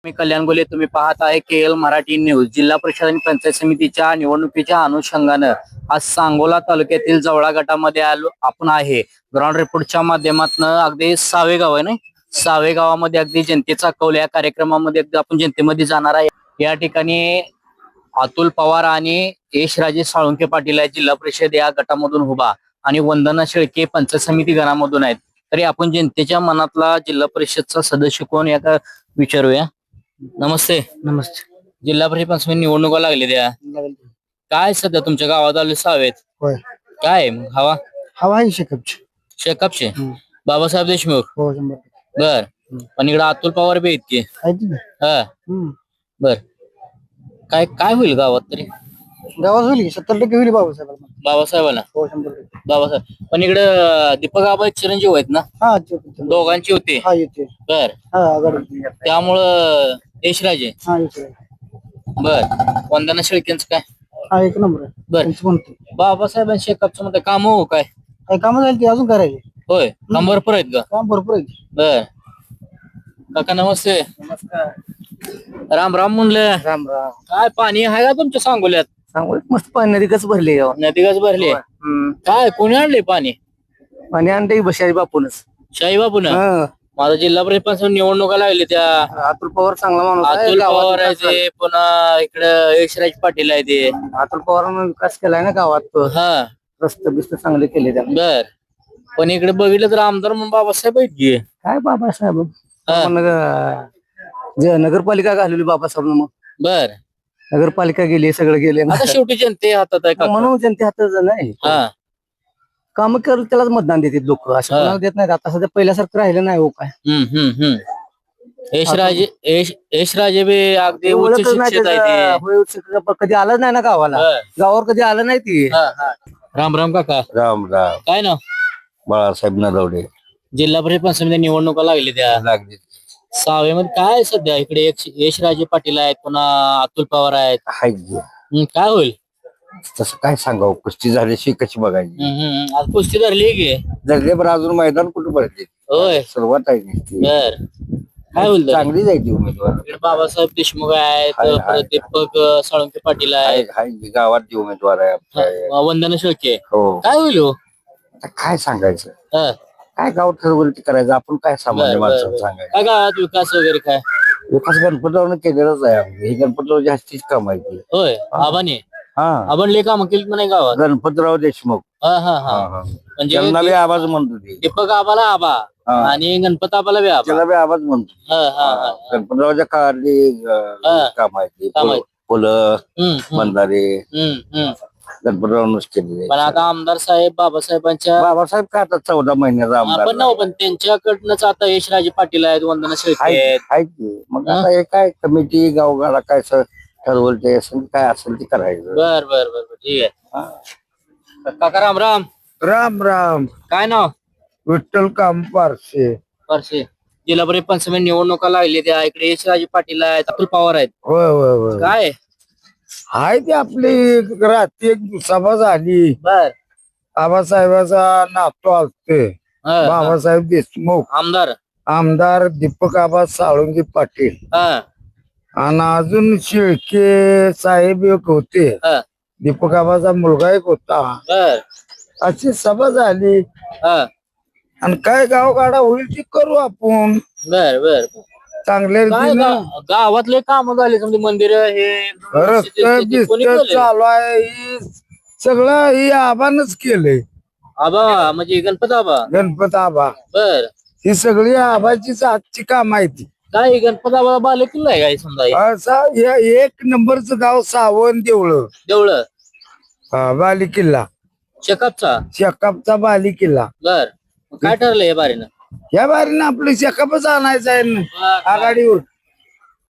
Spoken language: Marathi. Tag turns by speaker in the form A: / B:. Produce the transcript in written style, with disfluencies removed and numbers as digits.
A: मी कल्याण गोले. तुम्ही पाहत आहे KL मराठी न्यूज. जिल्हा परिषद आणि पंचायत समितीच्या निवडणुकीच्या अनुषंगानं आज सांगोला तालुक्यातील जवळा गटामध्ये आलो आपण आहे. ग्राउंड रिपोर्टच्या माध्यमातून अगदी सावे गाव आहे ना, सावे गावामध्ये अगदी जनतेचा कौल या कार्यक्रमामध्ये अगदी आपण जनतेमध्ये जाणार आहे. या ठिकाणी अतुल पवार आणि यशराजे साळुंके पाटील आहे जिल्हा परिषद या गटामधून उभा, आणि वंदना शेळके पंचायत समिती गणामधून आहेत. तरी आपण जनतेच्या मनातला जिल्हा परिषदचा सदस्य कोण या विचारूया. नमस्ते.
B: नमस्ते.
A: जिल्हा परिषद पंचायत समिती निवडणुका लागले त्या, काय सध्या तुमच्या गावात आले सावेत?
B: होय.
A: काय मग हवा?
B: हवा आहे शेकअपची.
A: शेकापचे बाबासाहेब देशमुख.
B: हो 100%.
A: बर. पण इकडे अतुल पवार बी आहेत की.
B: आहे ना.
A: हा बर. काय काय होईल गावात तरी?
B: गावात होईल 70% होईल बाबासाहेबांना.
A: बाबासाहेबांना.
B: हो 100%.
A: बाबासाहेब. पण इकडे दीपक आबा चिरंजीव आहेत ना,
B: हा
A: दोघांची होते.
B: हा येते.
A: बर.
B: हा आघाडी.
A: त्यामुळं यशराजे.
B: हा येते.
A: बर. वंदना शेळकेंच काय?
B: हा एक नंबर आहे.
A: बर.
B: त्यांचं म्हणतो
A: बाबासाहेबांनी शेकापचं मध्ये काम हो काय?
B: काय कामं झाली ती अजून करायची.
A: होय. काम भरपूर आहेत का?
B: काम भरपूर आहे.
A: बर. काका नमस्ते.
B: नमस्कार.
A: राम राम म्हणलं.
B: राम राम.
A: काय पाणी आहे का तुमच्या सांगोल्यात?
B: सांगू मस्त पाणी नदी कसं भरली गाव.
A: नदीगच भरले. काय कोणी आणले पाणी?
B: पाणी आणते बशाई बापूनच.
A: शाही बापू ना. माझा जिल्हा परिषद पंचायत निवडणुका लागली त्या.
B: अतुल पवार चांगला माणूस आहे.
A: अतुल
B: गावात
A: पवार आहे
B: विकास
A: ते, पुन्हा इकडे यशराज पाटील आहे ते.
B: अतुल पवारांना विकास केलाय ना गावात.
A: हा
B: रस्ते बिस्ते चांगले केले त्याने.
A: बर. पण इकडे बघितलं तर आमदार म्हणून बाबासाहेब आहेत की.
B: काय बाबासाहेब
A: हा.
B: नगरपालिका घालवली बाबासाहेब. मग
A: बर.
B: नगरपालिका गेली सगळं गेले
A: आता शेवटी जनते हातात आहे काका.
B: म्हणून जनते हातात नाही.
A: हा
B: काम करत त्यालाच मतदान देतात लोक. असं कोणाला देत नाहीत. आता सध्या पहिल्यासारखं राहिलं नाही. हो काय
A: यशराजे बी अगदी उच्च
B: ओळखच नाही
A: शिक्षित आहे ते.
B: त्याचं. होय, शिक्षक कधी आलं नाही ना गावाला.
A: बर.
B: गावावर कधी आलं नाही ती.
A: राम राम काका.
C: राम राम.
A: काय ना,
C: बाळासाहेब नरवडे
A: जिल्हा परिषद पंचायत समिती निवडणुका लागली त्या.
C: लागले.
A: सावेमध्ये काय सध्या इकडे यशराजे पाटील आहेत, पुन्हा अतुल पवार आहेत.
C: हाय की.
A: काय होईल?
C: तसं काय सांगावं, कुस्ती झाल्याशी कशी बघायची.
A: आज कुस्ती धरली की.
C: जगले बरं अजून मैदान कुठं भरते.
A: होय.
C: सुरुवात आहे नुसती.
A: बर. काय होईल तरी?
C: चांगली जायची उमेदवार.
A: इकडे बाबासाहेब देशमुख आहेत,
C: हाय, हाय.
A: परत दीपक साळुंके पाटील
C: हाय
A: आहेत,
C: हाय की, गावात जी उमेदवार आहे आपल्या.
A: वंदना शेळके.
C: हो.
A: काय होईल हो?
C: आता काय सांगायचं,
A: हा.
C: काय गाव ठरवलं ते करायचं. आपण काय सामान्य
A: बर,
C: माणसाला
A: बर.
C: सांगायचं.
A: काय गावात विकास वगैरे काय?
C: विकास गणपतीरावनं केलेलाच आहे. आपलं हे गणपतीराव जास्तीच काम आहे ते.
A: होय. आबाने
C: हा.
A: लय काम केली नाही गावात.
C: गणपतीराव देशमुख.
A: हा हा
C: हा,
A: हा.
C: हा.
A: म्हणजे
C: त्यांना बी आवाज म्हणतो ते.
A: दीपक आबाला आबा
C: हा.
A: आणि गणपत आबाला बी आबा.
C: त्याला बी आवाज म्हणतो.
A: हा हा हा.
C: गणपतरावच्या काळातली
A: हा.
C: काम आहे ते.
A: काम आहे.
C: फुलं
A: हम्म,
C: बंधारे
A: हम्म.
C: गणपतरावनच केलेले.
A: पण आता आमदार साहेब बाबासाहेबांच्या
C: बाबासाहेब का आता 14 महिन्याचा आमदार
A: पण नव्ह, पण त्यांच्याकडनंच आता यशराजे पाटील आहेत, वंदना शेळके आहेत.
C: आहे की. मग
A: हा.
C: आता हे काय कमिटी गावगाडा काय ठरवलं ते असेल, काय असेल ते करायचं.
A: बर बर बर बर, ठीक
C: हा.
A: आहे. काका राम राम.
B: राम राम.
A: काय नाव?
B: विठ्ठल काम पारसे.
A: परसे. जिल्हा परिषद पंचायत समिती निवडणुका लागली त्या. इकडे यशराजे पाटील आहेत, अतुल पवार आहेत.
B: होय होय होय.
A: काय?
B: हाय ती आपली रात्री एक सभा झाली.
A: बर.
B: आबासाहेबाचा नातू असते
A: हा,
B: बाबासाहेब देशमुख.
A: आमदार.
B: आमदार दीपक आबा साळुंके पाटील
A: हा
B: आणि अजून शेळके साहेब एक होते.
A: हा.
B: दीपक आबाचा मुलगा एक होता.
A: बर.
B: अशी सभा झाली.
A: हा.
B: आणि काय गावगाडा होईल ती करू आपण
A: बर बर.
B: चांगल्या
A: काय
B: रीतीनं.
A: गावातले काम झाले, समजे मंदिर हे
B: रस्ते
A: ते कोणी
B: बिस्ते
A: केले?
B: चालू आहे. ही सगळं ही आबानच केलंय.
A: आबा म्हणजे गणपत आबा.
B: गणपत आबा
A: बर.
B: ही सगळी आबाचीच आजची काम आहे ती.
A: काय गणपत आबा बाले किल्ला आहे काय समजा हे?
B: असा या एक नंबरचं गाव सावण देवळं.
A: देवळं.
B: हा, बाली किल्ला.
A: शेकापचा.
B: शेकापचा बाली किल्ला.
A: बर. मग काय ठरलं हे बारीनं?
B: या बारीनं आपलं शेकापच आणायचं आहे ना आघाडीवर.